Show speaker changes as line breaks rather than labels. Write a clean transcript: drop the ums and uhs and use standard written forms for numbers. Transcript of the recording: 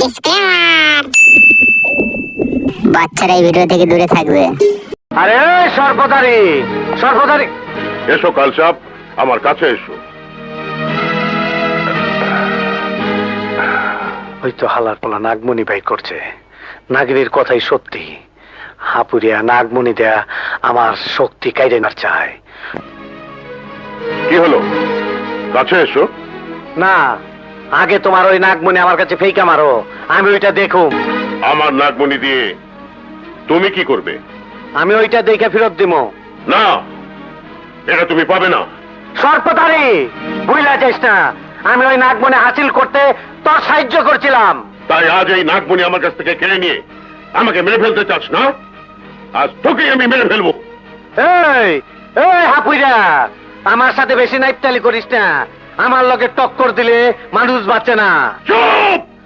Disclaimer, বাচ্চারা এই video থেকে দূরে থাকবে।
আরে সর্বদারি সর্বদারি,
এসো কালচাপ, আমার কাছে এসো।
ওই তো হালার পোলা নাগমণি বাই করছে। নাগিনীর কথাই সত্যি। হাপুরিয়া নাগমণি দেয়া আমার শক্তি কাইরে না চায়।
কি হলো? কাছে এসো।
না, আগে তোমার ওই নাগমণি আমার কাছে ফেইকা মারো, আমি ওইটা দেখুম।
আমার নাগমণি দিয়ে তুমি কি করবে?
আমি ওইটা দেখে ফেরত দিব।
না, এটা তুমি পাবে না।
সর্বদারি, বুঝলা যাইস না, আমি ওই নাগমণি হাসিল করতে তোর সাহায্য করছিলাম।
তাই আজ এই নাগমণি আমার কাছ থেকে কেড়ে নিয়ে আমাকে মেরে ফেলতে চাস না? আজ তোকেই আমি মেরে ফেলবো।
এই এই হাপুইরা, আমার সাথে বেশি নাইপতালি করিস না। আমার লগে টক্কর দিলে মানুষ বাঁচে না।
চুপ!